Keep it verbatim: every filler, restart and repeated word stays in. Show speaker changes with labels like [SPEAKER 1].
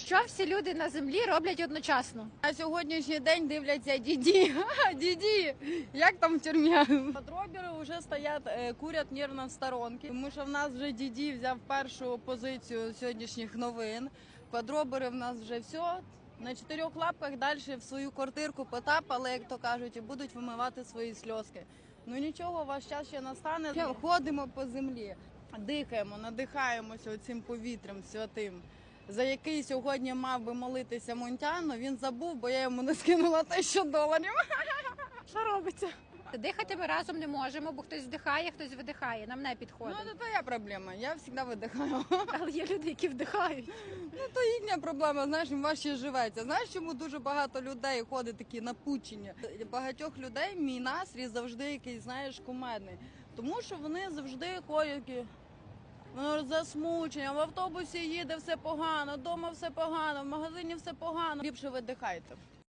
[SPEAKER 1] Що всі люди на землі роблять одночасно?
[SPEAKER 2] На сьогоднішній день дивляться діді. Діді, як там в тюрмі? Патробери вже стоять, е, курять нервно в сторонці, тому що в нас вже діді взяв першу позицію сьогоднішніх новин. Квадробери в нас вже все. На чотирьох лапках далі в свою квартирку потапали, як то кажуть, і будуть вимивати свої сльозки. Ну нічого, ваш час ще настане. Ходимо по землі, дихаємо, надихаємося цим повітрям святим, за який сьогодні мав би молитися Мунтян, він забув, бо я йому не скинула тисячу доларів.
[SPEAKER 1] Що робиться? Дихати ми разом не можемо, бо хтось вдихає, хтось видихає. Нам не підходить.
[SPEAKER 2] Ну, це твоя проблема, я завжди видихаю.
[SPEAKER 1] Але є люди, які вдихають.
[SPEAKER 2] Ну, то їхня проблема, знаєш, їм важче живеться. Знаєш, чому дуже багато людей ходить такі напучені? Багатьох людей мій настрій завжди якийсь, знаєш, кумедний. Тому що вони завжди ходять такі, воно засмучення, в автобусі їде все погано, вдома все погано, в магазині все погано. Ліпше видихайте.